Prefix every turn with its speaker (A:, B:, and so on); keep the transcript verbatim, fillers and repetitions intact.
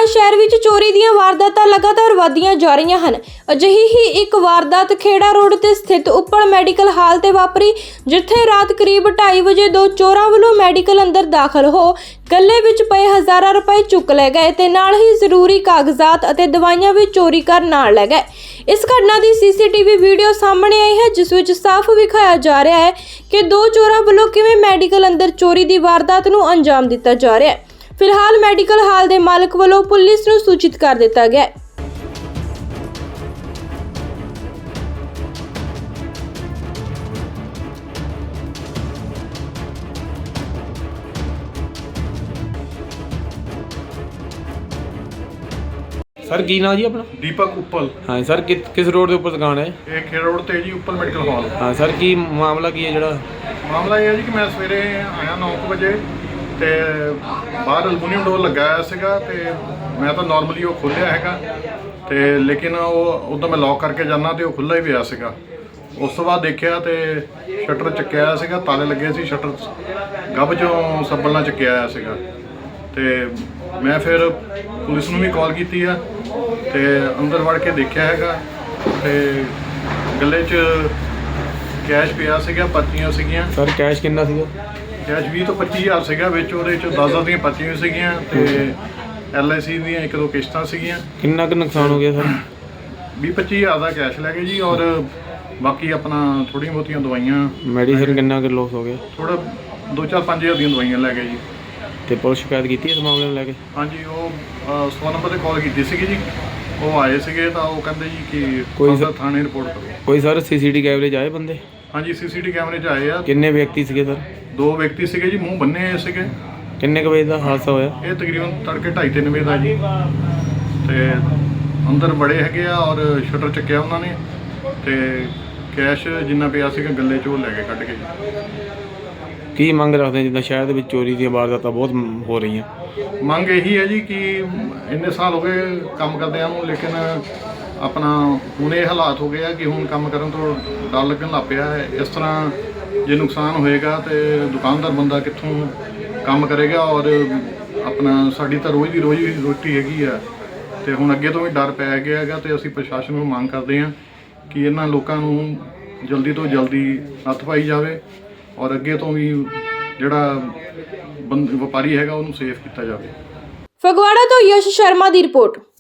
A: शहर विच चोरी ਦੀਆਂ ਵਾਰਦਾਤਾਂ लगातार ਵਧਦੀਆਂ ਜਾ ਰਹੀਆਂ ਹਨ। ਅਜਿਹੀ ਹੀ ਇੱਕ ਵਾਰਦਾਤ ਖੇੜਾ ਰੋਡ ਤੇ ਸਥਿਤ ਉੱਪਲ ਮੈਡੀਕਲ ਹਾਲ ਤੇ ਵਾਪਰੀ, ਜਿੱਥੇ ਰਾਤ ਕਰੀਬ ਢਾਈ ਵਜੇ ਦੋ ਚੋਰਾਂ ਵੱਲੋਂ ਮੈਡੀਕਲ ਅੰਦਰ ਦਾਖਲ ਹੋ ਗੱਲੇ ਵਿੱਚ ਪਏ ਹਜ਼ਾਰਾਂ ਰੁਪਏ ਚੁੱਕ ਲੈ ਗਏ ਤੇ ਨਾਲ ਹੀ ਜ਼ਰੂਰੀ ਕਾਗਜ਼ਾਤ ਅਤੇ ਦਵਾਈਆਂ ਵੀ ਚੋਰੀ ਕਰ ਨਾਲ ਲੈ ਗਏ। ਇਸ ਘਟਨਾ ਦੀ ਸੀਸੀਟੀਵੀ ਵੀਡੀਓ ਸਾਹਮਣੇ ਆਈ ਹੈ, ਜਿਸ ਵਿੱਚ ਸਾਫ਼ ਵਿਖਾਇਆ ਜਾ ਰਿਹਾ ਹੈ ਕਿ ਦੋ ਚੋਰਾਂ ਵੱਲੋਂ ਕਿਵੇਂ ਮੈਡੀਕਲ ਅੰਦਰ ਚੋਰੀ ਦੀ ਵਾਰਦਾਤ ਨੂੰ ਅੰਜਾਮ ਦਿੱਤਾ ਜਾ ਰਿਹਾ ਹੈ। फिलहाल मेडिकल हाल के मालिक वालों पुलिस को सूचित कर दिता गया है।
B: सर की नाम जी अपना?
C: दीपक उप्पल।
B: हाँ सर, कि, किस रोड के ऊपर दुकान है?
C: ये खेड़ा रोड ते जी उप्पल मेडिकल हॉल।
B: हाँ सर, की मामला की है जड़ा?
C: मामला ये है जी कि मैं सवेरे आया नौ बजे ਤੇ ਬਾਹਰ ਅਲਮੂਨੀਅਮ ਡੋਰ ਲੱਗਾ ਹੋਇਆ ਸੀਗਾ ਤੇ ਮੈਂ ਤਾਂ ਨਾਰਮਲੀ ਉਹ ਖੋਲ੍ਹਿਆ ਹੈਗਾ ਤੇ ਲੇਕਿਨ ਉਹ ਉਦੋਂ ਮੈਂ ਲੌਕ ਕਰਕੇ ਜਾਣਾ ਤੇ ਉਹ ਖੁੱਲ੍ਹਾ ਹੀ ਪਿਆ ਸੀਗਾ। ਉਸ ਤੋਂ ਬਾਅਦ ਦੇਖਿਆ ਤੇ ਸ਼ਟਰ ਚੱਕਿਆ ਹੋਇਆ ਸੀਗਾ, ਤਾਲੇ ਲੱਗੇ ਸੀ, ਸ਼ਟਰ ਗੱਭ ਚੋਂ ਸੱਬਲ ਨਾਲ ਚੱਕਿਆ ਹੋਇਆ ਸੀਗਾ ਤੇ ਮੈਂ ਫਿਰ ਪੁਲਿਸ ਨੂੰ ਵੀ ਕਾਲ ਕੀਤੀ ਆ ਤੇ ਅੰਦਰ ਵੜ ਕੇ ਦੇਖਿਆ ਹੈਗਾ ਤੇ ਗੱਲੇ 'ਚ ਕੈਸ਼ ਪਿਆ ਸੀਗਾ, ਪਰਚੀਆਂ ਸੀਗੀਆਂ।
B: ਸਰ ਕੈਸ਼ ਕਿੰਨਾ ਸੀਗਾ?
C: ਕੈਸ਼ ਵੀਹ ਤੋਂ ਪੱਚੀ ਹਜ਼ਾਰ ਸੀਗਾ, ਵਿੱਚ ਉਹਦੇ 'ਚ ਦਸ ਦਸ ਦੀਆਂ ਪਰਚੀਆਂ ਸੀਗੀਆਂ ਤੇ ਐਲ ਆਈ ਸੀ ਦੀਆਂ ਇੱਕ ਦੋ ਕਿਸ਼ਤਾਂ ਸੀਗੀਆਂ।
B: ਕਿੰਨਾ ਕੁ ਨੁਕਸਾਨ ਹੋ ਗਿਆ ਸਰ?
C: ਵੀਹ ਪੱਚੀ ਹਜ਼ਾਰ ਦਾ ਕੈਸ਼ ਲੈ ਗਏ ਜੀ ਔਰ ਬਾਕੀ ਆਪਣਾ ਥੋੜ੍ਹੀਆਂ ਬਹੁਤੀਆਂ ਦਵਾਈਆਂ।
B: ਮੈਡੀਸਨ ਕਿੰਨਾ ਕੁ ਲੋਸ ਹੋ ਗਿਆ?
C: ਥੋੜ੍ਹਾ ਦੋ ਚਾਰ ਪੰਜ ਹਜ਼ਾਰ ਦੀਆਂ ਦਵਾਈਆਂ ਲੈ ਗਏ ਜੀ।
B: ਤੇ ਪੁਲਿਸ ਸ਼ਿਕਾਇਤ ਕੀਤੀ ਇਸ ਮਾਮਲੇ ਨੂੰ ਲੈ ਕੇ?
C: ਹਾਂਜੀ, ਉਹ ਸੌ ਨੰਬਰ 'ਤੇ ਕਾਲ ਕੀਤੀ ਸੀਗੀ ਜੀ, ਉਹ ਆਏ ਸੀਗੇ ਤਾਂ ਉਹ ਕਹਿੰਦੇ ਜੀ ਕਿ
B: ਕੋਈ
C: ਕੋਈ ਥਾਣੇ ਰਿਪੋਰਟ ਕਰੋ।
B: ਕੋਈ ਸਰ ਸੀ ਸੀ ਟੀ ਕੈਮਰੇ 'ਚ ਆਏ ਬੰਦੇ?
C: ਹਾਂਜੀ, ਸੀ ਸੀ ਟੀ ਕੈਮਰੇ 'ਚ ਆਏ ਆ।
B: ਕਿੰਨੇ ਵਿਅਕਤੀ ਸੀਗੇ ਸਰ?
C: ਦੋ ਵਿਅਕਤੀ ਸੀਗੇ ਜੀ, ਮੂੰਹ ਬੰਨੇ ਹੋਏ ਸੀਗੇ।
B: ਕਿੰਨੇ ਕੁ ਵਜੇ ਦਾ ਹਾਦਸਾ ਹੋਇਆ?
C: ਇਹ ਤਕਰੀਬਨ ਤੜਕੇ ਢਾਈ ਤਿੰਨ ਵਜੇ ਦਾ ਜੀ ਤੇ ਅੰਦਰ ਬੜੇ ਹੈਗੇ ਆ ਔਰ ਸ਼ਟਰ ਚੱਕਿਆ ਉਹਨਾਂ ਨੇ ਤੇ ਕੈਸ਼ ਜਿੰਨਾ ਪਿਆ ਸੀਗਾ ਗੱਲੇ 'ਚ ਉਹ ਲੈ ਕੇ ਕੱਢ ਕੇ ਜੀ।
B: ਕੀ ਮੰਗ ਰੱਖਦੇ ਜਿੱਦਾਂ ਸ਼ਹਿਰ ਦੇ ਵਿੱਚ ਚੋਰੀ ਦੀਆਂ ਵਾਰਦਾਤਾਂ ਬਹੁਤ ਹੋ ਰਹੀਆਂ?
C: ਮੰਗ ਇਹੀ ਹੈ ਜੀ ਕਿ ਇੰਨੇ ਸਾਲ ਹੋ ਗਏ ਕੰਮ ਕਰਦਿਆਂ ਨੂੰ, ਲੇਕਿਨ ਆਪਣਾ ਹੁਣ ਇਹ ਹਾਲਾਤ ਹੋ ਗਏ ਆ ਕਿ ਹੁਣ ਕੰਮ ਕਰਨ ਤੋਂ ਡਰ ਲੱਗਣ ਲੱਗ ਪਿਆ ਹੈ। ਇਸ ਤਰ੍ਹਾਂ ਜੇ ਨੁਕਸਾਨ ਹੋਏਗਾ ਤੇ ਦੁਕਾਨਦਾਰ ਬੰਦਾ ਕਿੱਥੋਂ ਕੰਮ ਕਰੇਗਾ ਔਰ ਆਪਣਾ ਸਾਡੀ ਤਾਂ ਰੋਜ਼ ਦੀ ਰੋਜ਼ ਦੀ ਰੋਟੀ ਹੈਗੀ ਆ ਤੇ ਹੁਣ ਅੱਗੇ ਤੋਂ ਵੀ ਡਰ ਪੈ ਗਿਆ ਹੈਗਾ ਤੇ ਅਸੀਂ ਪ੍ਰਸ਼ਾਸਨ ਨੂੰ ਮੰਗ ਕਰਦੇ ਹਾਂ ਕਿ ਇਹਨਾਂ ਲੋਕਾਂ ਨੂੰ ਜਲਦੀ ਤੋਂ ਜਲਦੀ ਨੱਥ ਪਾਈ ਜਾਵੇ ਔਰ ਅੱਗੇ ਤੋਂ ਵੀ ਜਿਹੜਾ ਬੰਦ ਵਪਾਰੀ ਹੈਗਾ ਉਹਨੂੰ ਸੇਫ ਕੀਤਾ ਜਾਵੇ।
A: ਫਗਵਾੜਾ ਤੋਂ ਯਸ਼ ਸ਼ਰਮਾ ਦੀ ਰਿਪੋਰਟ।